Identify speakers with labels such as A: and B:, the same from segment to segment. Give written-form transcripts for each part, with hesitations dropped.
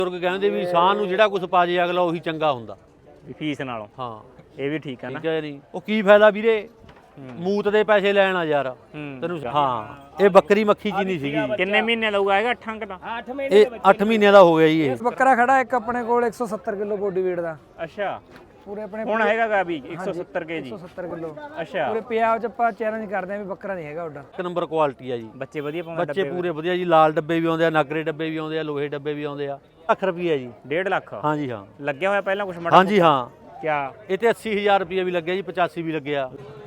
A: ਬਜ਼ੁਰਗ ਕਹਿੰਦੇ ਵੀ ਸਾਹ ਨੂੰ ਜਿਹੜਾ ਕੁਝ ਪਾ ਜੇ ਅਗਲਾ ਉਹੀ ਚੰਗਾ ਹੁੰਦਾ
B: ਵੀ ਫੀਸ ਨਾਲੋਂ।
A: ਹਾਂ
B: ਇਹ ਵੀ ਠੀਕ ਆ ਨਾ।
A: ਠੀਕ ਹੈ ਨਹੀਂ ਉਹ ਕੀ ਫਾਇਦਾ ਵੀਰੇ ਮੂਤ ਦੇ ਪੈਸੇ ਲੈਣ ਆ ਯਾਰ ਤੈਨੂੰ। ਹਾਂ ਇਹ ਬੱਕਰੀ ਮੱਖੀ ਜੀ ਨਹੀਂ ਸੀਗੀ।
B: ਕਿੰਨੇ ਮਹੀਨੇ ਲਊਗਾ ਹੈਗਾ 8 ਅੰਕ ਦਾ?
C: 8 ਮਹੀਨੇ
A: ਇਹ 8 ਮਹੀਨਿਆਂ ਦਾ ਹੋ ਗਿਆ ਜੀ ਇਹ।
C: ਬੱਕਰਾ ਖੜਾ ਇੱਕ ਆਪਣੇ ਕੋਲ 170 ਕਿਲੋ ਬੋਡੀ weight ਦਾ।
B: ਅੱਛਾ
C: ਪੂਰੇ ਆਪਣੇ
B: ਹੁਣ ਹੈਗਾ ਵੀ 170 ਕੇਜੀ।
C: 170 ਕਿਲੋ
B: ਅੱਛਾ
C: ਪੂਰੇ ਪੰਜਾਬ ਚ ਆਪਾਂ ਚੈਲੰਜ ਕਰਦੇ ਆਂ ਵੀ ਬੱਕਰਾ ਨਹੀਂ ਹੈਗਾ ਉੱਡਾ।
A: ਇੱਕ ਨੰਬਰ ਕੁਆਲਿਟੀ ਆ ਜੀ।
B: ਬੱਚੇ ਵਧੀਆ ਪਾਉਂਦੇ?
A: ਬੱਚੇ ਪੂਰੇ ਵਧੀਆ ਜੀ। ਲਾਲ ਡੱਬੇ ਵੀ ਆਉਂਦੇ ਆ, ਨਾਗਰੇ ਡੱਬੇ ਵੀ ਆਉਂਦੇ ਆ, ਲੋਹੇ ਡੱਬੇ ਵੀ ਆਉਂਦੇ ਆ। ਲੱਖ ਰੁਪਈਆ ਜੀ।
B: 1.5 ਲੱਖ?
A: ਹਾਂਜੀ ਹਾਂ
B: ਲੱਗਿਆ ਹੋਇਆ ਪਹਿਲਾਂ ਕੁਝ ਮੜਾ?
A: ਹਾਂਜੀ ਹਾਂ
B: ਕਿਆ
A: ਇਹ ਤੇ 80000 ਰੁਪਈਆ ਵੀ ਲੱਗਿਆ ਜੀ, 85 ਵੀ ਲੱਗਿਆ।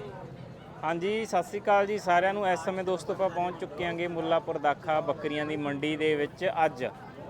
B: ਹਾਂਜੀ ਸਤਿ ਸ੍ਰੀ ਅਕਾਲ ਜੀ ਸਾਰਿਆਂ ਨੂੰ। ਇਸ ਸਮੇਂ ਦੋਸਤੋ ਆਪਾਂ ਪਹੁੰਚ ਚੁੱਕੇ ਆਂਗੇ ਮੁੱਲਾਪੁਰ ਦਾਖਾ ਬੱਕਰੀਆਂ ਦੀ ਮੰਡੀ ਦੇ ਵਿੱਚ। ਅੱਜ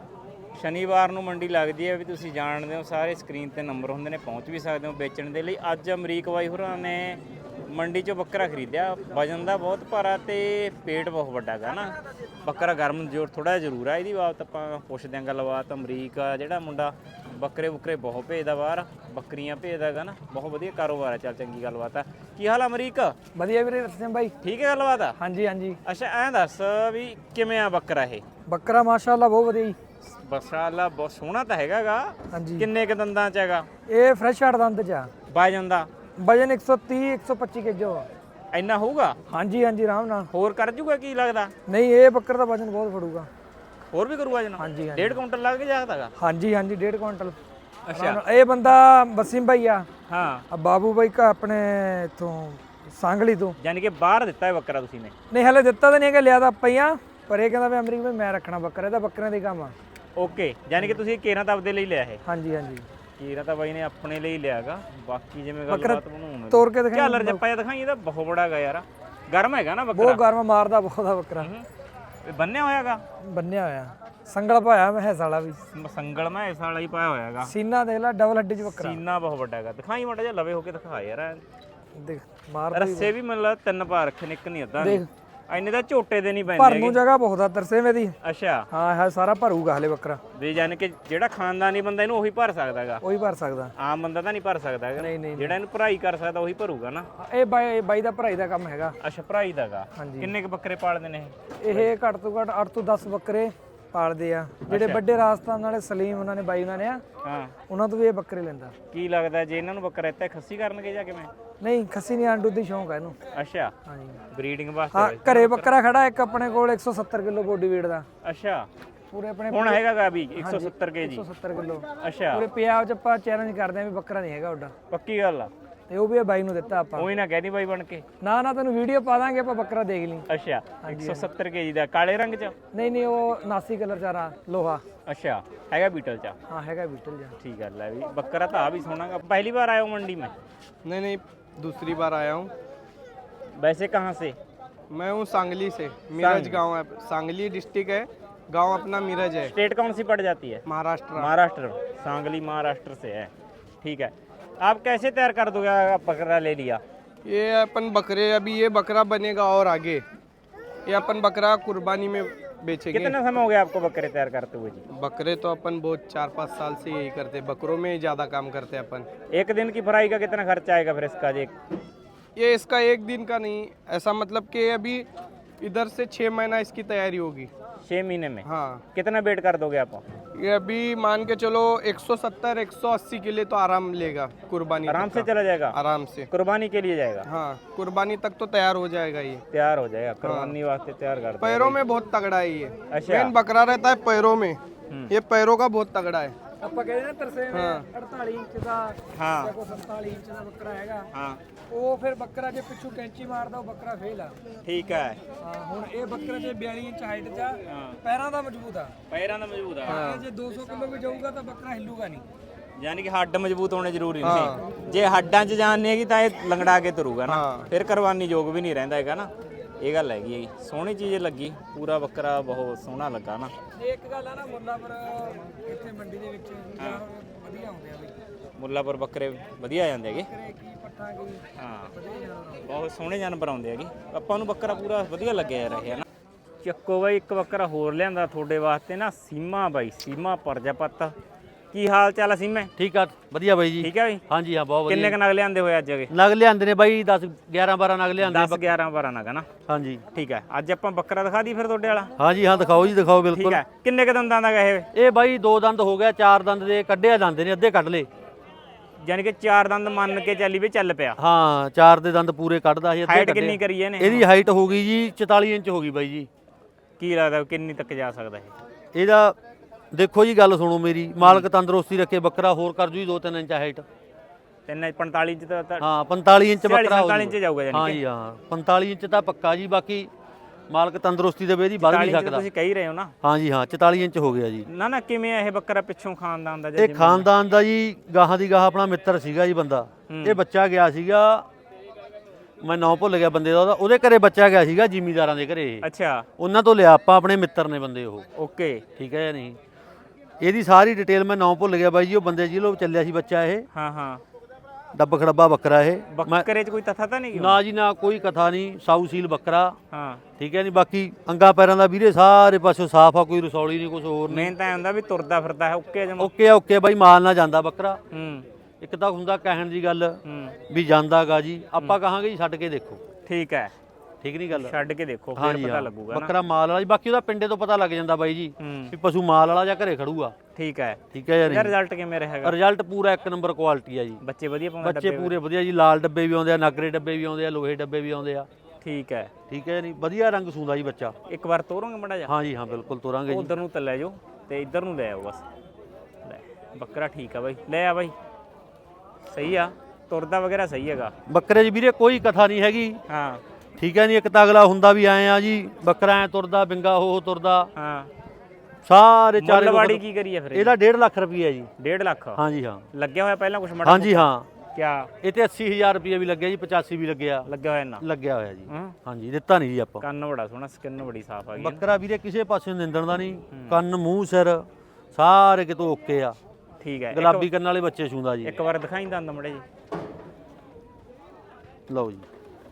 B: ਸ਼ਨੀਵਾਰ ਨੂੰ ਮੰਡੀ ਲੱਗਦੀ ਹੈ, ਵੀ ਤੁਸੀਂ ਜਾਣਦੇ ਹੋ ਸਾਰੇ। ਸਕਰੀਨ ਤੇ ਨੰਬਰ ਹੁੰਦੇ ਨੇ, ਪਹੁੰਚ ਵੀ ਸਕਦੇ ਹੋ ਵੇਚਣ ਦੇ ਲਈ। ਅੱਜ ਅਮਰੀਕ ਬਾਈ ਹੋਰਾਂ ਨੇ ਮੰਡੀ 'ਚੋਂ ਬੱਕਰਾ ਖਰੀਦਿਆ। ਵਜਨ ਦਾ ਬਹੁਤ ਭਾਰਾ ਤੇ ਪੇਟ ਬਹੁਤ ਵੱਡਾ ਹੈਗਾ ਨਾ। ਬੱਕਰਾ ਗਰਮ ਜ਼ੋਰ ਥੋੜਾ ਜ਼ਰੂਰ ਆ। ਇਹਦੀ ਬਾਤ ਆਪਾਂ ਪੁੱਛਦੇ ਆਂ ਗੱਲਬਾਤ। ਅਮਰੀਕ ਆ ਜਿਹੜਾ ਮੁੰਡਾ ਬੱਕਰੇ ਬੁੱਕਰੇ ਬਹੁਤ ਭੇਜਦਾ ਬਾਹਰ, ਬੱਕਰੀਆਂ ਭੇਜਦਾ ਹੈਗਾ ਨਾ। ਬਹੁਤ ਵਧੀਆ ਕਾਰੋਬਾਰ ਹੈ। ਚੱਲ ਚੰਗੀ ਗੱਲਬਾਤ ਆ। ਕੀ ਹਾਲ ਆ ਅਮਰੀਕ?
C: ਵਧੀਆ ਵੀਰੇ ਰਸਮ ਬਾਈ।
B: ਠੀਕ ਹੈ ਗੱਲਬਾਤ ਆ?
C: ਹਾਂਜੀ ਹਾਂਜੀ।
B: ਅੱਛਾ ਐਂ ਦੱਸ ਵੀ ਕਿਵੇਂ ਆ ਬੱਕਰਾ ਇਹ?
C: ਬੱਕਰਾ ਮਾਸ਼ਾਅੱਲਾ ਬਹੁਤ ਵਧੀਆ ਜੀ।
B: ਮਾਸ਼ਾਅੱਲਾ ਬਹੁਤ ਸੋਹਣਾ ਤਾਂ ਹੈਗਾਗਾ।
C: ਹਾਂਜੀ
B: ਕਿੰਨੇ ਕ ਦੰਦਾਂ ਚ ਹੈਗਾ?
C: ਇਹ ਫਰੈਸ਼ ਹੱਟ ਦੰਦ ਚ ਆ।
B: ਵਜਨ ਦਾ
C: ਵਜਨ 130 125 ਕੇਜੀ ਆ।
B: ਇੰਨਾ ਹੋਊਗਾ?
C: ਹਾਂਜੀ ਹਾਂਜੀ ਆਰਾਮ ਨਾਲ।
B: ਹੋਰ ਕਰ ਜੂਗਾ ਕੀ ਲੱਗਦਾ?
C: ਨਹੀਂ ਇਹ ਬੱਕਰ ਦਾ ਵਜਨ ਬਹੁਤ ਫੜੂਗਾ।
B: ਹੋਰ ਵੀ ਕਰੂਗਾ ਜਨਾ?
C: ਹਾਂਜੀ ਹਾਂਜੀ
B: 1.5 ਕੁਇੰਟਲ ਲੱਗ ਜਾਗਦਾਗਾ?
C: ਹਾਂਜੀ ਹਾਂਜੀ 1.5 ਕੁਇੰਟਲ।
B: ਅੱਛਾ
C: ਇਹ ਬੰਦਾ ਵਸੀਮ ਭਾਈ ਆ।
B: ਹਾਂ
C: ਆ ਬਾਬੂ ਭਾਈ ਕਾ ਆਪਣੇ ਇਥੋਂ ਸਾਂਗਲੀ ਤੋਂ।
B: ਯਾਨੀ ਕਿ ਬਾਹਰ ਦਿੱਤਾ ਹੈ ਬੱਕਰਾ ਤੁਸੀਂ ਨੇ?
C: ਨਹੀਂ ਹਲੇ ਦਿੱਤਾ ਤਾਂ ਨਹੀਂ ਹੈਗਾ, ਲਿਆ ਤਾਂ ਆਪਾਂ ਹੀ ਆ। ਪਰ ਇਹ ਕਹਿੰਦਾ ਵੀ ਅਮਰੀਕ ਭਾਈ ਮੈਂ ਰੱਖਣਾ ਬੱਕਰਾ, ਇਹਦਾ ਬੱਕਰਿਆਂ ਦੇ ਕੰਮ ਆ।
B: ਓਕੇ ਯਾਨੀ ਕਿ ਤੁਸੀਂ ਕੇਰਾਂ ਤਾਂ ਆਪਦੇ ਲਈ ਲਿਆ ਇਹ?
C: ਹਾਂਜੀ ਹਾਂਜੀ
B: ਕੇਰਾਂ ਤਾਂ ਬਾਈ ਨੇ ਆਪਣੇ ਲਈ ਲਿਆਗਾ। ਬਾਕੀ ਜਿਵੇਂ ਗੱਲਬਾਤ ਬਣਾਉਣ
C: ਤੋੜ ਕੇ ਦਿਖਾਈ।
B: ਝਾਲਰ ਜੱਪਾ ਜਿਹਾ ਦਿਖਾਈ। ਇਹਦਾ ਬਹੁਤ ਬੜਾ ਹੈਗਾ ਯਾਰ। ਗਰਮ ਹੈਗਾ ਨਾ ਬੱਕਰਾ?
C: ਬਹੁਤ ਗਰਮ ਮਾਰਦਾ ਬਹੁਤ ਆ ਬੱਕਰਾ।
B: ਇਹ ਬੰਨਿਆ ਹੋਇਆਗਾ?
C: ਬੰਨਿਆ ਹੋਇਆ ਸੰਗਲ ਪਾਇਆ ਮੈਂ ਹੈਸ ਵਾਲਾ ਵੀ।
B: ਸੰਗਲ ਮੈਂ ਇਸ ਵਾਲਾ ਹੀ ਪਾਇਆ ਹੋਇਆ ਹੈਗਾ।
C: ਸੀਨਾ ਦੇਖ ਲੈ ਡਬਲ ਹੱਡੀ ਚ ਬੱਕਰਾ।
B: ਸੀਨਾ ਬਹੁਤ ਵੱਡਾ ਹੈਗਾ। ਦਿਖਾਈ ਮਾੜਾ ਜਿਹਾ ਲਵੇ ਹੋ ਕੇ ਦਿਖਾ ਯਾਰ।
C: ਦੇਖ ਮਾਰ
B: ਰੱਸੇ ਵੀ ਮਤਲਬ 3 ਪਾ ਰੱਖੇ ਨੇ, ਇੱਕ ਨਹੀਂ ਅੱਧਾ।
C: ਦੇਖ
B: ਇੰਨੇ ਤਾਂ ਝੋਟੇ ਦੇ ਨਹੀਂ ਪੈਂਦੇ
C: ਭਰਨ ਨੂੰ ਜਗ੍ਹਾ ਬਹੁਤ ਆ ਤਰਸੇ ਮੇਦੀ।
B: ਅੱਛਾ
C: ਹਾਂ ਹੈ ਸਾਰਾ ਭਰੂਗਾ ਹਲੇ ਬੱਕਰਾ।
B: ਵੀ ਯਾਨੀ ਕਿ ਜਿਹੜਾ ਖਾਨਦਾਨੀ ਬੰਦਾ ਇਹਨੂੰ ਉਹੀ ਭਰ ਸਕਦਾ ਹੈਗਾ।
C: ਉਹੀ ਭਰ ਸਕਦਾ।
B: ਆਮ ਬੰਦਾ ਤਾਂ ਨਹੀਂ ਭਰ ਸਕਦਾ ਹੈਗਾ।
C: ਨਹੀਂ ਨਹੀਂ
B: ਜਿਹੜਾ ਇਹਨੂੰ ਭਰਾਈ ਕਰ ਸਕਦਾ ਉਹੀ ਭਰੂਗਾ ਨਾ।
C: ਇਹ ਬਾਈ ਦਾ ਭਰਾਈ ਦਾ ਕੰਮ ਹੈਗਾ।
B: ਅੱਛਾ ਭਰਾਈ ਦਾਗਾ।
C: ਹਾਂਜੀ।
B: ਕਿੰਨੇ ਕ ਬੱਕਰੇ ਪਾਲਦੇ ਨੇ
C: ਇਹ ਘੱਟ ਤੋਂ ਘੱਟ 8 ਤੋਂ 10 ਬੱਕਰੇ ਪਾਲਦੇ ਆ। ਜਿਹੜੇ ਵੱਡੇ ਰਾਜਸਥਾਨ ਵਾਲੇ ਸਲੀਮ ਉਹਨਾਂ ਨੇ ਬਾਈ ਉਹਨਾਂ ਨੇ ਆ,
B: ਹਾਂ
C: ਉਹਨਾਂ ਤੋਂ ਵੀ ਇਹ ਬੱਕਰੇ ਲੈਂਦਾ।
B: ਕੀ ਲੱਗਦਾ ਜੇ ਇਹਨਾਂ ਨੂੰ ਬੱਕਰਾ ਇੱਥੇ ਖੱਸੀ ਕਰਨਗੇ ਜਾਂ ਕਿਵੇਂ?
C: ਨਹੀਂ ਖੱਸੀ ਨਹੀਂ, ਆਂਡੂ ਦੀ ਸ਼ੌਂਕ ਹੈ ਇਹਨੂੰ।
B: ਅੱਛਾ
C: ਹਾਂਜੀ
B: ਬਰੀਡਿੰਗ
C: ਹਾਂ
B: ਵਾਸਤੇ?
C: ਘਰੇ ਬੱਕਰਾ ਖੜਾ ਇੱਕ ਆਪਣੇ ਕੋਲ 170 ਕਿਲੋ ਬੋਡੀ weight ਦਾ।
B: ਅੱਛਾ
C: ਪੂਰੇ ਆਪਣੇ
B: ਹੁਣ ਹੈਗਾਗਾ ਵੀ 170 ਕੇਜੀ?
C: 170 ਕਿਲੋ।
B: ਅੱਛਾ
C: ਪੂਰੇ ਪੰਜਾਬ ਚ ਆਪਾਂ ਚੈਲੰਜ ਕਰਦੇ ਆਂ ਵੀ ਬੱਕਰਾ ਨਹੀਂ ਹੈਗਾ ਉੱਡਾ।
B: ਪੱਕੀ ਗੱਲ ਆ?
C: ਤੇ ਉਹ ਵੀ ਇਹ ਬਾਈ ਨੂੰ ਦਿੱਤਾ ਆਪਾਂ।
B: ਉਹੀ ਨਾ ਕਹਿਦੀ ਬਾਈ ਬਣ ਕੇ।
C: ਨਾ ਨਾ ਤੈਨੂੰ ਵੀਡੀਓ ਪਾ ਦਾਂਗੇ ਆਪਾਂ, ਬੱਕਰਾ ਦੇਖ ਲਈ।
B: ਅੱਛਾ 170 ਕੇਜੀ ਦਾ ਕਾਲੇ ਰੰਗ ਚ?
C: ਨਹੀਂ ਨਹੀਂ ਉਹ 89 ਕਲਰ ਚਾਰਾ ਲੋਹਾ।
B: ਅੱਛਾ ਹੈਗਾ ਬੀਟਲ ਚ?
C: ਹਾਂ ਹੈਗਾ ਬੀਟਲ ਜਾ।
B: ठीक है ले भी बकरा तो आ भी सोना का। पहली बार आया हूँ मंडी में?
D: नहीं दूसरी बार आया हूँ।
B: वैसे कहाँ से?
D: मैं हूँ सांगली से। मिरज गांव है, सांगली डिस्ट्रिक्ट है, गांव अपना मिरज है।
B: स्टेट कौन सी पड़ जाती है?
D: महाराष्ट्र।
B: महाराष्ट्र। सांगली महाराष्ट्र से है। ठीक है आप कैसे तैयार कर दोगे? आप बकरा ले लिया,
D: ये अपन बकरे अभी ये बकरा बनेगा और आगे ये अपन बकरा कुर्बानी में बेचेंगे।
B: कितना समय हो गया आपको बकरे तैयार करते हुए जी?
D: बकरे तो अपन बहुत 4-5 साल से यही करते, बकरों में ही ज़्यादा काम करते हैं अपन।
B: एक दिन की फ्राई का कितना खर्चा आएगा फिर इसका?
D: ये इसका एक दिन का नहीं, ऐसा मतलब कि अभी इधर से 6 महीना इसकी तैयारी होगी।
B: 6 महीने में?
D: हाँ
B: कितना वेट कर दोगे आप?
D: ये अभी मान के चलो 170-180 के लिए तो आराम लेगा कुर्बानी
B: आराम
D: तक
B: से
D: का।
B: चला जाएगा?
D: आराम से
B: कुर्बानी के लिए जाएगा?
D: हाँ कुर्बानी तक तो तैयार हो जाएगा ये।
B: तैयार हो जाएगा कुर्बानी वास्ते तैयार कर दो।
D: पैरों में बहुत तगड़ा है ये।
B: अच्छा
D: मेन बकरा रहता है पैरों में, ये पैरों का बहुत तगड़ा है।
C: ਆਪਾਂ ਕਹਿੰਦੇ ਨਾ ਤਰਸੇ में 48 ਇੰਚ ਦਾ
B: हाँ
C: ਜਾਂ ਕੋਈ 47 ਇੰਚ ਦਾ ਬੱਕਰਾ ਹੈਗਾ।
B: हाँ
C: ਉਹ ਫਿਰ ਬੱਕਰਾ ਜੇ ਪਿੱਛੋਂ ਕੈਂਚੀ ਮਾਰਦਾ ਉਹ ਬੱਕਰਾ ਫੇਲ ਆ।
B: ठीक है।
C: ਹਾਂ ਹੁਣ ਇਹ ਬੱਕਰਾ ਜੇ 42 ਇੰਚ ਹਾਈਟ ਚ ਆ,
B: हाँ
C: ਪੈਰਾਂ ਦਾ ਮਜ਼ਬੂਤ ਆ।
B: पैरा ना मजबूत है।
C: ਇਹ ਜੇ 200 ਕਿਲੋ ਵੀ ਜਾਊਗਾ ਤਾਂ ਬੱਕਰਾ ਹਿੱਲੂਗਾ ਨਹੀਂ।
B: ਯਾਨੀ ਕਿ ਹੱਡ ਮਜ਼ਬੂਤ ਹੋਣੇ ਜ਼ਰੂਰੀ ਨਹੀਂ। ਜੇ ਹੱਡਾਂ 'ਚ ਜਾਨ ਨਹੀਂ ਹੈਗੀ ਤਾਂ ਇਹ ਲੰਗੜਾ ਕੇ ਤੁਰੂਗਾ ਨਾ, ਫਿਰ ਕੁਰਬਾਨੀ ਯੋਗ ਵੀ ਨਹੀਂ ਰਹਿੰਦਾ ਹੈਗਾ ਨਾ। ਇਹ ਗੱਲ ਹੈਗੀ ਹੈ। ਸੋਹਣੀ ਚੀਜ਼ ਲੱਗੀ, ਪੂਰਾ ਬੱਕਰਾ ਬਹੁਤ ਸੋਹਣਾ ਲੱਗਾ ਨਾ।
C: ਇੱਕ ਗੱਲ ਆ ਨਾ ਮੁੱਲਾਪੁਰ ਇੱਥੇ ਮੰਡੀ ਦੇ ਵਿੱਚ ਵਧੀਆ ਹੁੰਦੇ ਆ ਬਈ।
B: ਮੁੱਲਾਪੁਰ ਬੱਕਰੇ ਵਧੀਆ ਆ ਜਾਂਦੇ ਹੈਗੇ।
C: ਬੱਕਰੇ ਕੀ ਪੱਠਾ ਕੀ
B: ਹਾਂ
C: ਵਧੀਆ ਜਾਨਵਰ।
B: ਬਹੁਤ ਸੋਹਣੇ ਜਾਨਵਰ ਆਉਂਦੇ ਹੈਗੇ। ਆਪਾਂ ਨੂੰ ਬੱਕਰਾ ਪੂਰਾ ਵਧੀਆ ਲੱਗਿਆ ਯਾਰ ਇਹ ਨਾ। ਚੱਕੋ ਬਾਈ ਇੱਕ ਬੱਕਰਾ ਹੋਰ ਲਿਆਂਦਾ ਤੁਹਾਡੇ ਵਾਸਤੇ ਨਾ, ਸੀਮਾ ਬਾਈ, ਸੀਮਾ ਪ੍ਰਜਾਪਤ ਕੀ ਹਾਲ ਚਾਲ ਆ ਸਿੰਮੇ?
A: ਠੀਕ ਆ ਵਧੀਆ ਬਾਈ ਜੀ।
B: ਠੀਕ ਆ ਬਈ।
A: ਹਾਂਜੀ ਹਾਂ ਬਹੁਤ ਵਧੀਆ।
B: ਕਿੰਨੇ ਕ ਨਗ ਲਿਆਂਦੇ ਹੋਏ ਅੱਜ ਅਗੇ?
A: ਨਗ ਲਿਆਂਦੇ ਨੇ ਬਾਈ 10 11 12 ਨਗ ਲਿਆਂਦੇ
B: 10 11 12 ਨਗ ਨਾ।
A: ਹਾਂਜੀ
B: ਠੀਕ ਹੈ, ਅੱਜ ਆਪਾਂ ਬੱਕਰਾ ਦਿਖਾ ਦੀ ਫਿਰ ਤੁਹਾਡੇ ਵਾਲਾ।
A: ਹਾਂਜੀ ਹਾਂ ਦਿਖਾਓ ਜੀ ਦਿਖਾਓ
B: ਠੀਕ
A: ਬਿਲਕੁਲ।
B: ਹੈ, ਕਿੰਨੇ ਕ ਦੰਦਾਂ ਦਾ ਗਾ ਇਹ?
A: ਇਹ ਬਾਈ 2 ਦੰਦ ਹੋ ਗਿਆ, 4 ਦੰਦ ਦੇ ਕੱਢਿਆ ਜਾਂਦੇ ਨੇ, ਅੱਧੇ ਕੱਢ ਲੇ।
B: ਯਾਨੀ ਕਿ 4 ਦੰਦ ਮੰਨ ਕੇ ਚੱਲੀ ਵੀ ਚੱਲ ਪਿਆ।
A: ਹਾਂ 4 ਦੇ ਦੰਦ ਪੂਰੇ ਕੱਢਦਾ ਸੀ, ਅੱਧੇ
B: ਹਾਈਟ
A: ਕੱਢੇ।
B: ਕਿੰਨੀ ਕਰੀ ਇਹਨੇ?
A: ਇਹਦੀ ਹਾਈਟ ਹੋ ਗਈ ਜੀ 44 ਇੰਚ ਹੋ ਗਈ ਬਾਈ ਜੀ।
B: ਕੀ ਲੱਗਦਾ ਕਿੰਨੀ ਤੱਕ ਜਾ ਸਕਦਾ ਇਹ?
A: ਇਹਦਾ ਦੇਖੋ ਜੀ ਗੱਲ ਸੁਣੋ ਮੇਰੀ, ਮਾਲਕ ਤੰਦਰੁਸਤੀ ਰੱਖੇ ਬੱਕਰਾ ਹੋਰ ਕਰ ਜੂ ਜੀ 2-3 ਇੰਚ ਹਾਈਟ।
B: 45 ਇੰਚ ਤਾਂ
A: ਹਾਂ 45 ਇੰਚ ਬੱਕਰਾ ਹੋ
B: 45 ਇੰਚ ਜਾਊਗਾ ਯਾਨੀ
A: ਹਾਂ
B: ਕਿ।
A: ਜੀ ਹਾਂ 45 ਇੰਚ ਤਾਂ ਪੱਕਾ ਜੀ, ਬਾਕੀ ਮਾਲਕ ਤੰਦਰੁਸਤੀ ਦੇ ਇਹਦੀ ਵੱਧ
B: 40
A: ਨਹੀਂ
B: ਇੰਚ
A: ਸਕਦਾ।
B: ਤੁਸੀਂ ਕਹਿ ਰਹੇ ਹੋ ਨਾ।
A: ਹਾਂ ਜੀ ਹਾਂ 44 ਇੰਚ ਹੋ ਗਿਆ ਜੀ।
B: ਨਾ ਨਾ ਕਿਵੇਂ ਆ ਇਹ ਬੱਕਰਾ ਪਿੱਛੋਂ ਖਾਨਦਾਨ ਦਾ ਜਾਂ
A: ਇਹ ਖਾਨਦਾਨ ਦਾ ਜੀ, ਗਾਹਾਂ ਦੀ ਗਾਹਾਂ ਆਪਣਾ ਮਿੱਤਰ ਸੀਗਾ ਜੀ ਬੰਦਾ। ਇਹ ਬੱਚਾ ਗਿਆ ਸੀਗਾ, ਮੈਂ ਨਾਂ ਭੁੱਲ ਗਿਆ ਬੰਦੇ ਦਾ, ਉਹਦੇ ਘਰੇ ਬੱਚਾ ਗਿਆ ਸੀਗਾ ਜ਼ਿਮੀਂਦਾਰਾਂ ਦੇ ਘਰੇ।
B: ਅੱਛਾ
A: ਉਹਨਾਂ ਤੋਂ ਲਿਆ ਆਪਾਂ, ਆਪਣੇ ਮਿੱਤਰ ਨੇ ਬੰਦੇ ਉਹ।
B: ਓਕੇ
A: ਠੀਕ ਹੈ ਜਾਂ ਨਹੀਂ? ਇਹਦੀ ਸਾਰੀ ਡਿਟੇਲ ਮੈਂ ਨਾਂ ਭੁੱਲ ਗਿਆ ਬਾਈ ਜੀ। ਉਹ ਬੰਦੇ ਜਿਹਲੋਂ ਚੱਲਿਆ ਸੀ ਬੱਚਾ ਇਹ,
B: ਹਾਂ ਹਾਂ।
A: ਡੱਬ ਖੜੱਬਾ ਬੱਕਰਾ ਇਹ।
B: ਬੱਕਰੇ 'ਚ ਕੋਈ ਤਥਾ ਤਾਂ ਨਹੀਂ?
A: ਨਾ ਜੀ ਨਾ ਕੋਈ ਕਥਾ ਨਹੀਂ, ਸਾਊ ਸੀਲ ਬੱਕਰਾ।
B: ਹਾਂ
A: ਠੀਕ ਹੈ ਨਹੀਂ? ਬਾਕੀ ਅੰਗਾ ਪੈਰਾਂ ਦਾ ਵੀਰੇ ਸਾਰੇ ਪਾਸੋਂ ਸਾਫ ਆ, ਕੋਈ ਰਸੌਲੀ ਨਹੀਂ, ਕੁਝ ਹੋਰ ਨਹੀਂ।
B: ਮੇਨ ਤਾਂ ਇਹ ਹੁੰਦਾ ਵੀ ਤੁਰਦਾ ਫਿਰਦਾ ਹੈ ਓਕੇ ਜਮਾ।
A: ਓਕੇ ਆ ਓਕੇ ਬਾਈ, ਮਾਲ ਨਾ ਜਾਂਦਾ ਬੱਕਰਾ।
B: ਹੂੰ
A: ਇੱਕ ਤਾਂ ਹੁੰਦਾ ਕਹਿਣ ਦੀ ਗੱਲ
B: ਹੂੰ
A: ਵੀ ਜਾਂਦਾਗਾ ਜੀ, ਆਪਾਂ ਕਹਾਂਗੇ ਜੀ ਛੱਡ ਕੇ ਦੇਖੋ।
B: ਠੀਕ ਹੈ,
A: ਠੀਕ ਨਹੀਂ ਗੱਲ?
B: ਛੱਡ ਕੇ ਦੇਖੋ ਫਿਰ
A: ਹਾਂਜੀ
B: ਪਤਾ
A: ਹਾਂ,
B: ਲੱਗੂਗਾ ਨਾ।
A: ਬੱਕਰਾ ਮਾਲ ਵਾਲਾ ਜੀ। ਬਾਕੀ ਉਹਦਾ ਪਿੰਡੇ ਤੋਂ ਪਤਾ ਲੱਗ ਜਾਂਦਾ ਬਾਈ ਜੀ
B: ਹੂੰ
A: ਵੀ ਪਸ਼ੂ ਮਾਲ ਵਾਲਾ ਜਾਂ ਘਰੇ ਖੜੂਗਾ।
B: ਠੀਕ ਹੈ।
A: ਠੀਕ ਹੈ ਜਾਂ
B: ਇਹਦਾ
A: ਨਹੀਂ?
B: ਰਿਜ਼ਲਟ ਕਿਵੇਂ ਰਹੇਗਾ?
A: ਰਿਜ਼ਲਟ ਪੂਰਾ 1 ਨੰਬਰ ਕੁਆਲਿਟੀ ਆ ਜੀ।
B: ਬੱਚੇ ਵਧੀਆ ਪਾਉਂਦੇ?
A: ਬੱਚੇ ਪੂਰੇ ਵਧੀਆ ਜੀ, ਲਾਲ ਡੱਬੇ ਵੀ ਆਉਂਦੇ ਆ, ਨਾਗਰੇ ਡੱਬੇ ਵੀ ਆਉਂਦੇ ਆ, ਲੋਹੇ ਡੱਬੇ ਵੀ ਆਉਂਦੇ ਆ।
B: ਠੀਕ ਹੈ।
A: ਠੀਕ ਹੈ ਨਹੀਂ? ਵਧੀਆ ਰੰਗ ਸੂੰਦਾ ਜੀ ਬੱਚਾ।
B: ਇੱਕ ਵਾਰ ਤੋਰੋਂਗੇ ਮੜਾ ਜਾ?
A: ਹਾਂ ਜੀ ਹਾਂ ਬਿਲਕੁਲ ਤੋਰਾਂਗੇ ਜੀ।
B: ਉਧਰ ਨੂੰ ਤਾਂ ਲੈ ਜਾਓ ਤੇ ਇੱਧਰ ਨੂੰ ਲੈ ਆਓ ਬਸ। ਲੈ ਬੱਕਰਾ ਠੀਕ ਆ ਬਾਈ, ਲੈ ਆ ਬਾਈ। ਸਹੀ ਆ, ਤੁਰਦਾ ਵਗੈਰਾ ਸਹੀ ਹੈਗਾ
A: ਬੱਕਰੇ 'ਚ ਵੀਰੇ ਕੋਈ ਕਥਾ ਨਹੀਂ ਹੈਗੀ।
B: ਹਾਂ
A: ਠੀਕ ਹੈ ਨਹੀਂ? ਇੱਕ ਤਾਂ ਅਗਲਾ ਹੁੰਦਾ ਵੀ ਐਂ ਆ ਜੀ, ਬੱਕਰਾ ਐ ਤੁਰਦਾ, ਬਿੰਗਾ ਹੋ ਤੁਰਦਾ,
B: ਹਾਂ।
A: ਸਾਰੇ ਚਾਰੇ
B: ਮੁੱਲਵਾੜੀ ਕੀ ਕਰੀ ਆ ਫਿਰ?
A: ਇਹਦਾ 1.5 ਲੱਖ ਰੁਪਈਆ ਜੀ।
B: 1.5 ਲੱਖ?
A: ਹਾਂ ਜੀ ਹਾਂ।
B: ਲੱਗਿਆ ਹੋਇਆ ਪਹਿਲਾਂ ਕੁਝ ਮੜਾ?
A: ਹਾਂ ਜੀ ਹਾਂ।
B: ਕਿਆ
A: ਇਹ ਤੇ 80000 ਰੁਪਈਆ ਵੀ ਲੱਗਿਆ ਜੀ, 85 ਵੀ ਲੱਗਿਆ।
B: ਲੱਗਿਆ ਹੋਇਆ ਨਾ?
A: ਲੱਗਿਆ ਹੋਇਆ ਜੀ।
B: ਹਾਂ।
A: ਹਾਂ ਜੀ ਦਿੱਤਾ ਨਹੀਂ ਜੀ ਆਪਾਂ।
B: ਕੰਨ ਬੜਾ ਸੋਹਣਾ, ਸਕਿਨ ਬੜੀ ਸਾਫ਼ ਆ ਗਈ।
A: ਬੱਕਰਾ ਵੀਰੇ ਕਿਸੇ ਪਾਸੇ ਨਿੰਦਣ ਦਾ ਨਹੀਂ, ਕੰਨ ਮੂੰਹ ਸਿਰ ਸਾਰੇ ਕਿਤੋਂ ਓਕੇ ਆ।
B: ਠੀਕ ਹੈ।
A: ਗੁਲਾਬੀ ਕੰਨ ਵਾਲੇ ਬੱਚੇ ਛੂੰਦਾ ਜੀ।
B: ਇੱਕ ਵਾਰ ਦਿਖਾਈ ਦੰਦ ਮੜੇ ਜੀ।
A: ਲਓ ਜੀ।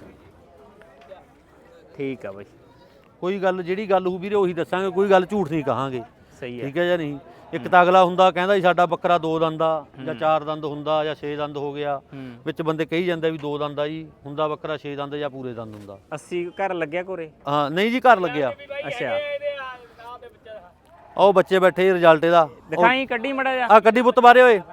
B: ਠੀਕ ਆ ਬਾਈ,
A: ਕੋਈ ਗੱਲ ਜਿਹੜੀ ਗੱਲ ਹੋ ਵੀਰੇ ਉਹੀ ਦੱਸਾਂਗੇ, ਕੋਈ ਗੱਲ ਝੂਠ ਨਹੀਂ ਕਹਾਂਗੇ।
B: ਸਹੀ ਹੈ।
A: ਠੀਕ ਹੈ ਜਾਂ ਨਹੀਂ? ਇੱਕ ਤਾਂ ਅਗਲਾ ਹੁੰਦਾ ਕਹਿੰਦਾ ਜੀ ਸਾਡਾ ਬੱਕਰਾ 2 ਦੰਦ ਆ ਜਾਂ 4 ਦੰਦ ਹੁੰਦਾ ਜਾਂ 6 ਦੰਦ ਹੋ ਗਿਆ।
B: ਹੂੰ
A: ਵਿੱਚ ਬੰਦੇ ਕਹੀ ਜਾਂਦੇ ਵੀ 2 ਦੰਦ ਆ ਜੀ, ਹੁੰਦਾ ਬੱਕਰਾ 6 ਦੰਦ ਜਾਂ ਪੂਰੇ ਦੰਦ ਹੁੰਦਾ।
B: 80 ਘਰ ਲੱਗਿਆ ਕੋਰੇ?
A: ਹਾਂ ਨਹੀਂ ਜੀ ਘਰ ਲੱਗਿਆ।
B: ਅੱਛਾ
A: ਉਹ ਬੱਚੇ ਬੈਠੇ ਰਿਜ਼ਲਟ ਇਹਦਾ।
B: ਦਿਖਾਈ, ਕੱਢੀ ਮੜਾ ਜਾ,
A: ਆ ਕੱਢੀ ਪੁੱਤ ਬਾਰੇ ਓਏ।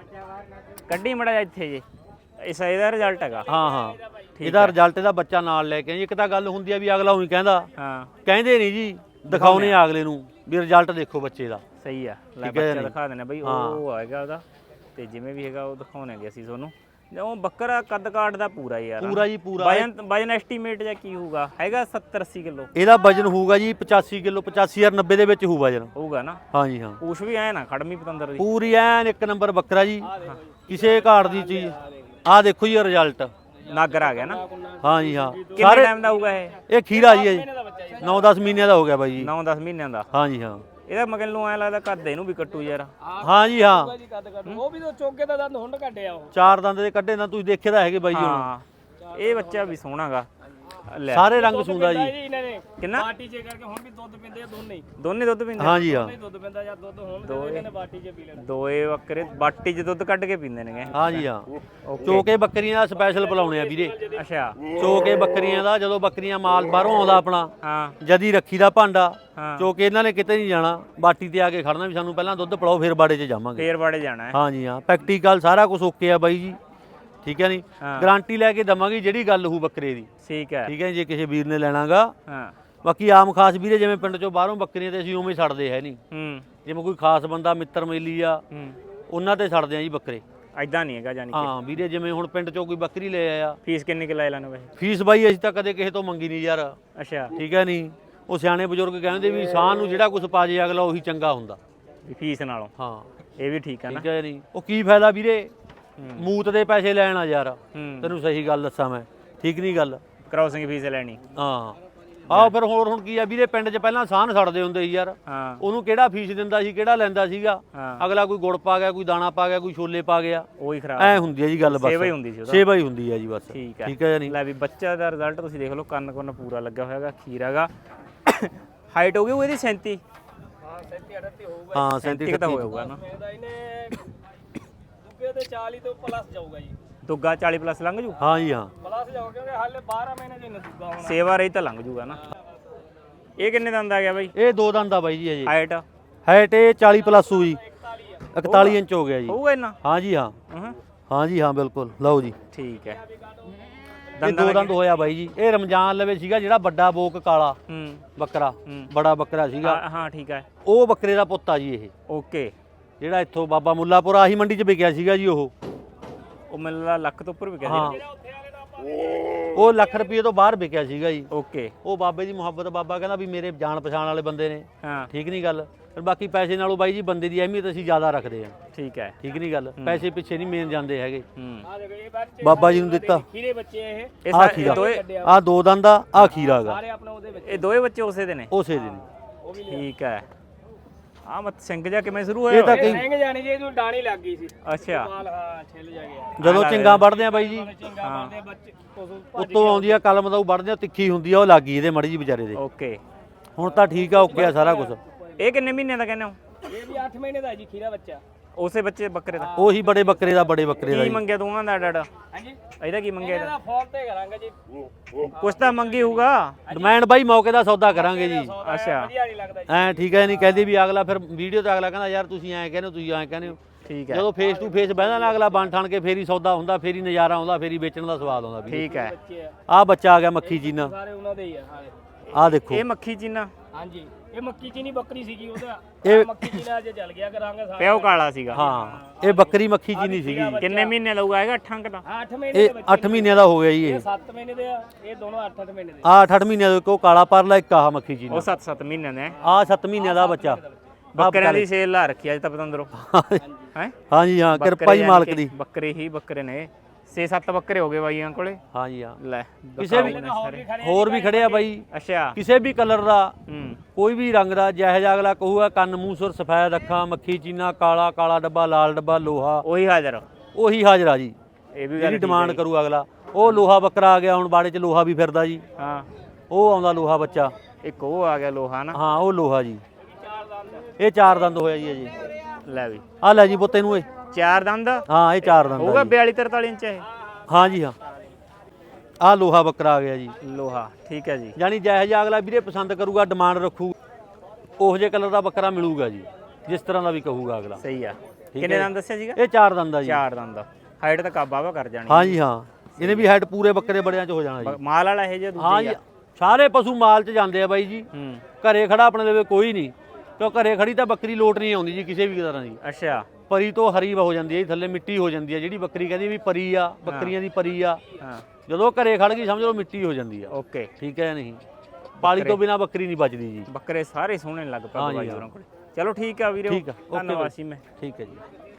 B: ਕੱਢੀ ਮੜਾ ਜਾ ਇੱਥੇ ਜੇ। ਇਹਦਾ ਰਿਜ਼ਲਟ ਹੈਗਾ?
A: ਹਾਂ ਹਾਂ ਇਹਦਾ ਰਿਜ਼ਲਟ ਇਹਦਾ ਬੱਚਾ ਨਾਲ ਲੈ ਕੇ ਆਈ। ਇੱਕ ਤਾਂ ਗੱਲ ਹੁੰਦੀ ਆ ਵੀ ਅਗਲਾ ਉਹੀ ਕਹਿੰਦਾ,
B: ਹਾਂ
A: ਕਹਿੰਦੇ ਨਹੀਂ ਜੀ, ਦਿਖਾਉਨੇ ਆ ਅਗਲੇ ਨੂੰ ਵੀ ਰਿਜ਼ਲਟ ਦੇਖੋ ਬੱਚੇ ਦਾ।
B: ਸਹੀ ਆ। ਲੈ
A: ਠੀਕ ਹੈ
B: ਬੱਚਾ
A: ਨਹੀਂ?
B: ਦਿਖਾ ਦੇਣਾ ਬਈ, ਉਹ ਆਏਗਾ ਉਹਦਾ ਤੇ ਜਿਵੇਂ ਵੀ ਹੈਗਾ ਉਹ ਦਿਖਾਉਣਗੇ ਅਸੀਂ ਤੁਹਾਨੂੰ। ਉਹ ਬੱਕਰਾ ਕੱਦ ਕਾਠ ਦਾ ਪੂਰਾ ਯਾਰ,
A: ਪੂਰਾ ਜੀ ਪੂਰਾ।
B: ਵਜਨ ਐਸਟੀਮੇਟ ਜਾਂ ਕੀ ਹੋਊਗਾ? ਹੈਗਾ 70 80 ਕਿਲੋ
A: ਇਹਦਾ ਵਜਨ ਹੋਊਗਾ ਜੀ 85 ਕਿਲੋ, 85 ਜਾਂ 90 ਦੇ ਵਿੱਚ ਹੋਊ ਵਜਨ।
B: ਹੋਊਗਾ ਨਾ?
A: ਹਾਂ ਜੀ ਹਾਂ।
B: ਕੁਛ ਵੀ ਐ ਨਾ ਖੜਮੀ ਪਤੰਦਰ ਦੀ।
A: ਪੂਰੀ ਐਨ 1 ਨੰਬਰ ਬੱਕਰਾ ਜੀ, ਕਿਸੇ ਘਾਟ ਦੀ ਚੀਜ਼। ਆਹ ਦੇਖੋ ਜੀ ਰਿਜ਼ਲਟ।
B: ਨਾਗਰ ਆ ਗਿਆ ਨਾ?
A: ਹਾਂ ਜੀ ਹਾਂ।
B: ਕਿੰਨੇ ਟਾਈਮ ਦਾ ਹੋਊਗਾ ਇਹ?
A: ਇਹ ਖੀਰਾ ਜੀ 9-10 ਮਹੀਨਿਆਂ ਦਾ ਹੋ ਗਿਆ ਬਾਈ ਜੀ।
B: 9-10 ਮਹੀਨਿਆਂ ਦਾ?
A: ਹਾਂ ਜੀ ਹਾਂ।
B: ਇਹਦਾ ਮਗਲ ਨੂੰ ਐ ਲੱਗਦਾ ਕੱਦ ਇਹਨੂੰ ਵੀ ਕੱਟੂ ਯਾਰ।
A: ਹਾਂ ਜੀ ਹਾਂ।
C: ਉਹ ਵੀ ਤਾਂ ਚੋਕੇ ਦਾ ਦੰਦ ਹੁੰਡ ਕੱਢਿਆ ਉਹ।
A: 4 ਦੰਦ ਦੇ ਕੱਢੇ ਨਾ, ਤੁਸੀਂ ਦੇਖੇ ਤਾਂ ਹੈਗੇ ਬਾਈ ਜੀ ਹੁਣ।
B: ਹਾਂ ਇਹ ਬੱਚਾ ਵੀ ਸੋਹਣਾਗਾ। ਲੈ
A: ਸਾਰੇ ਰੰਗ ਸੁੰਦਾ ਜੀ।
C: ਇਹਨਾਂ ਨੇ
B: ਕਿੰਨਾ
C: ਬਾਟੀ ਚ ਕਰਕੇ ਹੁਣ ਵੀ ਦੁੱਧ ਪੀਂਦੇ ਆ ਦੋਨੇ ਹੀ।
B: ਦੋਨੇ ਦੁੱਧ ਪੀਂਦੇ?
A: ਹਾਂ ਜੀ ਹਾਂ।
C: ਦੁੱਧ ਪੀਂਦਾ ਜਾਂ ਦੁੱਧ ਹੋਣ ਦੇ ਇਹਨਾਂ ਨੇ ਬਾਟੀ ਚ ਪੀ ਲੈਣਾ।
B: ਦੋਏ ਬੱਕਰੇ ਬਾਟੀ 'ਚ ਦੁੱਧ ਕੱਢ ਕੇ ਪੀਂਦੇ ਨੇਗੇ।
A: ਹਾਂ ਜੀ ਹਾਂ।
B: ਓਕੇ।
A: ਚੋਕੇ ਬੱਕਰੀਆਂ ਦਾ ਸਪੈਸ਼ਲ ਬੁਲਾਉਣੇ ਆ ਵੀਰੇ।
B: ਅੱਛਾ
A: ਚੋਕੇ ਬੱਕਰੀਆਂ ਦਾ, ਜਦੋਂ ਬੱਕਰੀਆਂ ਮਾਲ ਬਾਹਰੋਂ ਆਉਂਦਾ ਆਪਣਾ,
B: ਹਾਂ
A: ਜਦੀ ਰੱਖੀ ਦਾ ਭਾਂਡਾ,
B: ਹਾਂ।
A: ਚੋਕੇ ਇਹਨਾਂ ਨੇ ਕਿਤੇ ਨਹੀਂ ਜਾਣਾ, ਬਾਟੀ ਤੇ ਆ ਕੇ ਖੜਨਾ ਵੀ ਸਾਨੂੰ ਪਹਿਲਾਂ ਦੁੱਧ ਪਿਲਾਓ ਫਿਰ ਬਾੜੇ 'ਚ ਜਾਵਾਂਗੇ।
B: ਫੇਰ ਬਾੜੇ ਜਾਣਾ ਹੈ?
A: ਹਾਂ ਜੀ ਹਾਂ। ਪ੍ਰੈਕਟੀਕਲ ਸਾਰਾ ਕੁਝ ਓਕੇ ਆ ਬਾਈ ਜੀ। ਠੀਕ ਹੈ ਨਹੀਂ?
B: ਹਾਂ।
A: ਗਾਰੰਟੀ ਲੈ ਕੇ ਦਵਾਂਗੇ ਜਿਹੜੀ ਗੱਲ ਹੋਊ ਬੱਕਰੇ ਦੀ।
B: ਠੀਕ ਹੈ।
A: ਠੀਕ ਹੈ ਜੇ ਕਿਸੇ ਵੀਰ ਨੇ ਲੈਣਾਗਾ।
B: ਹਾਂ
A: ਬਾਕੀ ਆਮ ਖਾਸ ਵੀਰੇ ਜਿਵੇਂ ਪਿੰਡ ਚੋਂ ਬਾਹਰੋਂ ਬੱਕਰੀਆਂ ਤੇ ਅਸੀਂ ਉਵੇਂ ਛੱਡਦੇ ਹੈ ਨਹੀਂ।
B: ਹੂੰ
A: ਜਿਵੇਂ ਕੋਈ ਖਾਸ ਬੰਦਾ ਮਿੱਤਰ ਮੇਲੀ ਆ,
B: ਹੂੰ
A: ਉਹਨਾਂ ਤੇ ਛੱਡਦੇ ਆ ਜੀ ਬੱਕਰੇ।
B: ਐਦਾਂ ਨਹੀਂ ਹੈਗਾ ਜਾਨੀ ਕਿ?
A: ਹਾਂ ਵੀਰੇ ਜਿਵੇਂ ਹੁਣ ਪਿੰਡ ਚੋਂ ਕੋਈ ਬੱਕਰੀ ਲੈ ਆਇਆ,
B: ਫੀਸ ਕਿੰਨੀ ਕਿ ਲੈ ਲੈਣਾ ਵੈਸੇ?
A: ਫੀਸ ਬਾਈ ਅਸੀਂ ਤਾਂ ਕਦੇ ਕਿਸੇ ਤੋਂ ਮੰਗੀ ਨਹੀਂ ਯਾਰ।
B: ਅੱਛਾ
A: ਠੀਕ ਹੈ ਨਹੀਂ? ਉਹ ਸਿਆਣੇ ਬਜ਼ੁਰਗ ਕਹਿੰਦੇ ਵੀ ਇਨਸਾਨ ਨੂੰ ਜਿਹੜਾ ਕੁਝ ਪਾ ਜੇ ਅਗਲਾ ਉਹੀ ਚੰਗਾ ਹੁੰਦਾ।
B: ਵੀ ਫੀਸ ਨਾਲੋਂ?
A: ਹਾਂ
B: ਇਹ ਵੀ ਠੀਕ ਹੈ ਨਾ?
A: ਠੀਕ ਹੈ ਨਹੀਂ? ਉਹ ਕੀ ਫਾਇਦਾ ਵੀਰੇ ਮੂਤ ਦੇ ਪੈਸੇ ਲੈਣ ਆ ਯਾਰ।
B: ਹੂੰ
A: ਤੈਨੂੰ ਸਹੀ ਗੱਲ ਦੱਸਾਂ ਮੈਂ, ਠੀਕ ਨਹੀਂ ਗੱਲ?
B: ਕ੍ਰਾਸਿੰਗ ਫੀਸ ਲੈਣੀ?
A: ਹਾਂ ਆਹ ਫਿਰ ਹੋਰ ਹੁਣ ਕੀ ਆ ਵੀਰੇ, ਪਿੰਡ 'ਚ ਪਹਿਲਾਂ ਸਾਨ ਛੱਡਦੇ ਹੁੰਦੇ ਸੀ ਯਾਰ।
B: ਹਾਂ
A: ਉਹਨੂੰ ਕਿਹੜਾ ਫੀਸ ਦਿੰਦਾ ਸੀ, ਕਿਹੜਾ ਲੈਂਦਾ ਸੀਗਾ।
B: ਹਾਂ
A: ਅਗਲਾ ਕੋਈ ਗੁੜ ਪਾ ਗਿਆ, ਕੋਈ ਦਾਣਾ ਪਾ ਗਿਆ, ਕੋਈ ਛੋਲੇ ਪਾ ਗਿਆ,
B: ਉਹੀ ਖਰਾਬ
A: ਐ ਹੁੰਦੀ ਹੈ ਜੀ ਗੱਲ। ਬਸ
B: ਸੇਵਾ ਹੀ ਹੁੰਦੀ ਸੀ ਉਹਦਾ?
A: ਸੇਵਾ ਹੀ ਹੁੰਦੀ ਹੈ ਜੀ ਬਸ।
B: ਠੀਕ ਹੈ।
A: ਠੀਕ ਹੈ ਜਾਂ ਨਹੀਂ?
B: ਲੈ ਵੀ ਬੱਚਾ ਦਾ ਰਿਜ਼ਲਟ ਤੁਸੀਂ ਦੇਖ ਲਓ, ਕੰਨ ਕੁੰਨ ਪੂਰਾ ਲੱਗਾ ਹੋਇਆਗਾ, ਖੀਰ ਹੈਗਾ। ਹਾਈਟ ਹੋ ਗਈ ਉਹ ਇਹਦੀ 37?
C: ਹਾਂ 37 38 ਹੋਊਗਾ।
A: ਹਾਂ
B: 37 ਤਾਂ ਹੋਊਗਾ ਨਾ?
C: ਇਹਦਾ ਇਹਨੇ ਤੇ 40 ਤੋਂ ਪਲੱਸ ਜਾਊਗਾ ਜੀ।
B: ਦੁੱਗਾ 40 ਪਲੱਸ ਲੰਘ ਜੂ
A: ਹਾਂ ਜੀ ਹਾਂ।
C: ਪਲੱਸ ਜਾਊਗਾ ਕਿਉਂਕਿ ਹਾਲੇ 12 ਮਹੀਨੇ ਦੀ ਦੁੱਗਾ ਹੋਣਾ।
B: ਸੇਵਾ ਰਹੀ ਤਾਂ ਲੰਘ ਜੂਗਾ ਨਾ। ਇਹ ਕਿੰਨੇ ਦੰਦ ਆ ਗਿਆ ਬਾਈ?
A: ਇਹ 2 ਦੰਦ ਆ ਬਾਈ ਜੀ ਅਜੇ।
B: ਹਾਈਟ
A: ਹਾਈਟ ਇਹ 40 ਪਲੱਸ ਹੋਈ 41 ਇੰਚ ਹੋ ਗਿਆ ਜੀ।
B: ਹੋਊਗਾ ਇੰਨਾ?
A: ਹਾਂ ਜੀ ਹਾਂ।
B: ਹਾਂ
A: ਹਾਂ ਜੀ ਹਾਂ ਬਿਲਕੁਲ। ਲਓ ਜੀ
B: ਠੀਕ ਹੈ।
A: ਇਹ 2 ਦੰਦ ਹੋਇਆ ਬਾਈ ਜੀ। ਇਹ ਰਮਜ਼ਾਨ ਲਵੇ ਸੀਗਾ ਜਿਹੜਾ ਵੱਡਾ ਬੋਕ ਕਾਲਾ ਬੱਕਰਾ, ਬੜਾ ਬੱਕਰਾ ਸੀਗਾ।
B: ਹਾਂ ਠੀਕ ਹੈ।
A: ਉਹ ਬੱਕਰੇ ਦਾ ਪੁੱਤ ਆ ਜੀ ਇਹ,
B: ਓਕੇ।
A: ਜਿਹੜਾ ਇੱਥੋਂ ਬਾਬਾ ਮੁੱਲਾਪੁਰ ਆਹੀ ਮੰਡੀ 'ਚ ਵਿਕਿਆ ਸੀਗਾ ਜੀ। ਉਹ
B: ਮਿਲਦਾ ਲੱਖ ਤੋਂ ਉੱਪਰ ਵੀ ਗਿਆ
A: ਹਾਂ
B: ਸੀ।
A: ਉਹ ਲੱਖ ਰੁਪਏ ਤੋਂ ਬਾਹਰ ਵਿਕਿਆ ਸੀਗਾ ਜੀ।
B: ਓਕੇ।
A: ਉਹ ਬਾਬੇ ਦੀ ਮੁਹੱਬਤ, ਬਾਬਾ ਕਹਿੰਦਾ ਵੀ ਮੇਰੇ ਜਾਣ ਪਛਾਣ ਵਾਲੇ ਬੰਦੇ ਨੇ।
B: ਹਾਂ
A: ਠੀਕ ਨਹੀਂ ਗੱਲ। ਫਿਰ ਬਾਕੀ ਪੈਸੇ ਨਾਲੋਂ ਬਾਈ ਜੀ ਬੰਦੇ ਦੀ ਅਹਿਮੀਅਤ ਅਸੀਂ ਜ਼ਿਆਦਾ ਰੱਖਦੇ ਹਾਂ।
B: ਠੀਕ ਹੈ।
A: ਠੀਕ ਨਹੀਂ ਗੱਲ। ਪੈਸੇ ਪਿੱਛੇ ਨਹੀਂ ਮੇਨ ਜਾਂਦੇ ਹੈਗੇ।
B: ਹੂੰ।
A: ਬਾਬਾ ਜੀ ਨੂੰ ਦਿੱਤਾ
C: ਖੀਰੇ ਬੱਚੇ ਇਹ
A: ਆ ਖੀਰਾ, ਆ 2 ਦੰਦ ਆ ਖੀਰਾ ਗਾ।
C: ਸਾਰੇ ਆਪਣੇ ਉਹਦੇ ਵਿੱਚ
B: ਇਹ ਦੋਵੇਂ ਬੱਚੇ ਉਸੇ ਦੇ ਨੇ?
A: ਉਸੇ ਦੇ ਨੇ।
B: ਠੀਕ ਹੈ। ਆ ਮਤ ਸਿੰਘ ਜਾ ਕਿਵੇਂ ਸ਼ੁਰੂ
A: ਇਹ
B: ਹੋਇਆ?
A: ਤਾਂ ਕਈ
C: ਸਿੰਘ ਜਾਣੀ ਜੀ ਇਹਨੂੰ ਡਾਣੀ ਲੱਗ ਗਈ ਸੀ।
B: ਅੱਛਾ।
C: ਹਾਂ ਛਿੱਲ ਜਾ ਗਿਆ।
A: ਜਦੋਂ ਚਿੰਗਾ ਵੜਦੇ ਆ ਬਾਈ ਜੀ,
C: ਚਿੰਗਾ ਮਾਰਦੇ ਬੱਚੇ ਪਸ਼ੂ
A: ਉੱਤੋਂ ਆਉਂਦੀ ਆ ਕਲਮ ਦਾ ਉਹ ਵੜਦੇ ਆ, ਤਿੱਖੀ ਹੁੰਦੀ ਆ, ਉਹ ਲੱਗ ਗਈ ਇਹਦੇ ਮੜੀ ਜੀ ਵਿਚਾਰੇ ਦੇ।
B: ਓਕੇ।
A: ਹੁਣ ਤਾਂ ਠੀਕ ਆ, ਓਕੇ ਆ ਸਾਰਾ ਕੁਝ।
B: ਇਹ ਕਿੰਨੇ ਮਹੀਨੇ ਦਾ ਕਹਿੰਦੇ ਹੋ?
C: ਇਹ ਵੀ 8 ਮਹੀਨੇ ਦਾ ਜੀ ਖੀਰਾ ਬੱਚਾ।
B: ਉਸੇ ਬੱਚੇ ਬੱਕਰੇ ਦਾ?
A: ਉਹੀ ਬੜੇ ਬੱਕਰੇ ਦਾ
B: ਕੀ
A: ਜੀ।
B: ਮੰਗਿਆ ਦੋਵਾਂ ਦਾ ਡਾਡਾ?
C: ਹਾਂਜੀ
B: ਇਹਦਾ ਕੀ ਮੰਗਿਆ?
C: ਇਹਦਾ ਫੋਨ ਤੇ ਕਰਾਂਗੇ ਜੀ।
B: ਕੁਛ ਤਾਂ ਮੰਗੀ ਹੋਊਗਾ।
A: ਡਿਮਾਂਡ ਬਾਈ ਮੌਕੇ ਦਾ ਸੌਦਾ ਕਰਾਂਗੇ ਜੀ।
B: ਅੱਛਾ
C: ਵਧੀਆ ਨਹੀਂ ਲੱਗਦਾ ਜੀ।
A: ਐ ਠੀਕ ਹੈ ਨਹੀਂ ਕਹਿੰਦੀ ਵੀ ਅਗਲਾ ਫਿਰ ਵੀਡੀਓ ਤੇ ਅਗਲਾ ਕਹਿੰਦਾ ਯਾਰ ਤੁਸੀਂ ਐਂ ਕਹਿੰਦੇ ਹੋ, ਤੁਸੀਂ ਐਂ ਕਹਿੰਦੇ ਹੋ।
B: ਠੀਕ ਹੈ।
A: ਜਦੋਂ ਫੇਸ ਟੂ ਫੇਸ ਬਹਿਦਾ ਨਾ ਅਗਲਾ ਬਣ ਠਣ ਕੇ ਫੇਰੀ ਸੌਦਾ ਹੁੰਦਾ, ਫੇਰੀ ਨਜ਼ਾਰਾ ਆਉਂਦਾ, ਫੇਰੀ ਵੇਚਣ ਦਾ ਸਵਾਦ ਆਉਂਦਾ ਵੀ।
B: ਠੀਕ ਹੈ।
C: ਬੱਚੇ ਆ
A: ਆਹ ਬੱਚਾ ਆ ਗਿਆ ਮੱਖੀ ਚੀਨਾ।
C: ਸਾਰੇ ਉਹਨਾਂ ਦੇ ਹੀ ਆ ਸਾਰੇ।
A: ਆਹ ਦੇਖੋ
B: ਇਹ ਮੱਖੀ ਚੀਨਾ?
C: ਹਾਂਜੀ ਇਹ ਮੱਕੀ ਚੀਨੀ ਬੱਕਰੀ ਸੀਗੀ ਉਹਦਾ।
A: ਇਹ
C: ਮੱਕੀ ਚੀਨਾ ਅੱਜ ਚੱਲ ਗਿਆ ਕਰਾਂਗੇ ਸਾਰੇ।
B: ਪਿਓ ਕਾਲਾ ਸੀਗਾ?
A: ਹਾਂ ਇਹ ਬੱਕਰੀ ਮੱਖੀ ਚੀਨੀ ਸੀਗੀ।
B: ਕਿੰਨੇ ਮਹੀਨੇ ਲਊਗਾ? ਹੈਗਾ 8 ਅੰਕ ਦਾ?
C: 8 ਮਹੀਨੇ
A: ਇਹ 8 ਮਹੀਨਿਆਂ ਦਾ ਹੋ ਗਿਆ ਜੀ। ਇਹ
C: 7 ਮਹੀਨੇ ਦੇ ਆ। ਇਹ ਦੋਨੋਂ 8-8 ਮਹੀਨੇ ਦੇ।
A: ਆਹ 8 ਮਹੀਨਿਆਂ ਦਾ ਇੱਕ ਉਹ ਕਾਲਾ ਪਰਲਾ, ਇੱਕ ਆਹ ਮੱਖੀ ਚੀਨਾ।
B: ਉਹ 7-7 ਮਹੀਨਿਆਂ ਦੇ?
A: ਆਹ 7 ਮਹੀਨਿਆਂ ਦਾ ਬੱਚਾ।
B: ਬੱਕਰਿਆਂ ਦੀ ਸੇਲ ਲਾ ਰੱਖੀ ਅੱਜ ਤਾਂ ਪਤੰਦਰੋਂ ਹੈ।
A: ਹਾਂ ਜੀ ਹਾਂ, ਕਿਰਪਾ ਹੀ ਮਾਲਕ ਦੀ।
B: ਬੱਕਰੇ ਹੀ ਬੱਕਰੇ ਨੇ। 6-7 ਬੱਕਰੇ ਹੋ ਗਏ ਬਾਈਆਂ ਕੋਲੇ।
A: ਹਾਂ ਜੀ ਹਾਂ।
B: ਲੈ
A: ਕਿਸੇ ਵੀ ਹੋਰ ਵੀ ਖੜੇ ਆ ਬਾਈ,
B: ਅੱਛਾ।
A: ਕਿਸੇ ਵੀ ਕਲਰ ਦਾ,
B: ਹੂੰ।
A: ਕੋਈ ਵੀ ਰੰਗ ਦਾ, ਜਿਹੋ ਜਿਹਾ ਅਗਲਾ ਕਹੂਗਾ, ਕੰਨ ਮੂੰਹ ਸੁਰ ਸਫੈਦ ਅੱਖਾਂ, ਮੱਖੀ ਚੀਨਾ, ਕਾਲਾ ਕਾਲਾ ਡੱਬਾ, ਲਾਲ ਡੱਬਾ, ਲੋਹਾ,
B: ਉਹੀ ਹਾਜ਼ਰ।
A: ਉਹੀ ਹਾਜ਼ਰ ਆ ਜੀ।
B: ਇਹ ਵੀ
A: ਜਿਹੜੀ ਡਿਮਾਂਡ ਕਰੂ ਅਗਲਾ। ਉਹ ਲੋਹਾ ਬੱਕਰਾ ਆ ਗਿਆ ਹੁਣ ਬਾੜੇ 'ਚ, ਲੋਹਾ ਵੀ ਫਿਰਦਾ ਜੀ।
B: ਹਾਂ
A: ਉਹ ਆਉਂਦਾ ਲੋਹਾ ਬੱਚਾ।
B: ਇੱਕ ਉਹ ਆ ਗਿਆ ਲੋਹਾ ਨਾ।
A: ਹਾਂ ਉਹ ਲੋਹਾ ਜੀ। ਇਹ 4 ਦੰਦ ਹੋਇਆ ਜੀ ਅਜੇ।
B: ਲੈ ਵੀ
A: ਆ ਲੈ ਜੀ ਪੁੱਤ ਇਹਨੂੰ। ਇਹ
B: 4 ਦੰਦ
A: ਹਾਂ ਇਹ 4 ਦੰਦ
B: ਹੋਊਗਾ।
A: ਆ ਜੀ।
B: 42-43 ਇੰਚ ਇਹ?
A: ਹਾਂ ਜੀ ਹਾਂ। ਆ ਲੋਹਾ ਬੱਕਰਾ ਆ ਗਿਆ ਜੀ।
B: ਲੋਹਾ। ਠੀਕ ਹੈ ਜੀ।
A: ਯਾਨੀ ਜਿਹੋ ਜਿਹਾ ਅਗਲਾ ਵੀਰੇ ਪਸੰਦ ਕਰੂਗਾ, ਡਿਮਾਂਡ ਰੱਖੂ, ਉਹੋ ਜਿਹੇ ਕਲਰ ਦਾ ਬੱਕਰਾ ਮਿਲੂਗਾ ਜੀ, ਜਿਸ ਤਰ੍ਹਾਂ ਦਾ ਵੀ ਕਹੂਗਾ ਅਗਲਾ।
B: ਸਹੀ ਆ। ਕਿੰਨੇ ਦੰਦ ਦੱਸਿਆ ਸੀਗਾ?
A: ਇਹ 4 ਦੰਦ ਆ ਜੀ।
B: 4 ਦੰਦ। ਹਾਈਟ ਤਾਂ ਕਾਬਾ ਕਰ ਜਾਣੀ।
A: ਹਾਂ ਜੀ ਹਾਂ। ਇਹਨੇ ਵੀ ਹਾਈਟ ਪੂਰੇ ਬੱਕਰੇ ਬੜਿਆਂ 'ਚ ਹੋ ਜਾਣਾ ਜੀ।
B: ਮਾਲ ਵਾਲਾ ਇਹ ਜੇ
A: ਹਾਂ
B: ਦੂਜੀ
A: ਜੀ ਸਾਰੇ ਪਸ਼ੂ ਮਾਲ 'ਚ ਜਾਂਦੇ ਆ ਬਾਈ ਜੀ।
B: ਹੂੰ।
A: ਘਰੇ ਖੜਾ ਆਪਣੇ ਲਵੇ ਕੋਈ ਨਹੀਂ, ਕਿਉਂ ਘਰੇ ਖੜੀ ਤਾਂ ਬੱਕਰੀ ਲੋਟ ਨਹੀਂ ਆਉਂਦੀ ਜੀ ਕਿਸੇ ਵੀ ਤਰ੍ਹਾਂ ਦੀ।
B: ਅੱਛਾ।
A: ਪਰੀ ਤੋਂ ਹਰੀ ਹੋ ਜਾਂਦੀ ਹੈ ਜੀ, ਥੱਲੇ ਮਿੱਟੀ ਹੋ ਜਾਂਦੀ ਹੈ। ਜਿਹੜੀ ਬੱਕਰੀ ਕਹਿੰਦੀ ਵੀ ਪਰੀ ਆ, ਬੱਕਰੀਆਂ ਦੀ ਪਰੀ ਆ,
B: ਹਾਂ।
A: ਜਦੋਂ ਘਰੇ ਖੜ ਗਈ ਸਮਝ ਲਓ ਮਿੱਟੀ ਹੋ ਜਾਂਦੀ ਆ।
B: ਓਕੇ।
A: ਠੀਕ ਹੈ ਨਹੀਂ, ਪਾਲੀ ਤੋਂ ਬਿਨਾ ਬੱਕਰੀ ਨਹੀਂ ਬਚਦੀ ਜੀ।
B: ਬੱਕਰੇ ਸਾਰੇ ਸੋਹਣੇ ਲੱਗ ਪਏ
A: ਹਾਂ ਜੀ,
B: ਬਾਈ ਹੋਰਾਂ ਕੋਲੇ। ਚਲੋ ਠੀਕ ਆ ਵੀਰੇ।
A: ਠੀਕ ਆ, ਓਕੇ
B: ਧੰਨਵਾਦ
A: ਬਾਈ।
B: ਸੀ ਮੈਂ।
A: ਠੀਕ ਹੈ ਜੀ।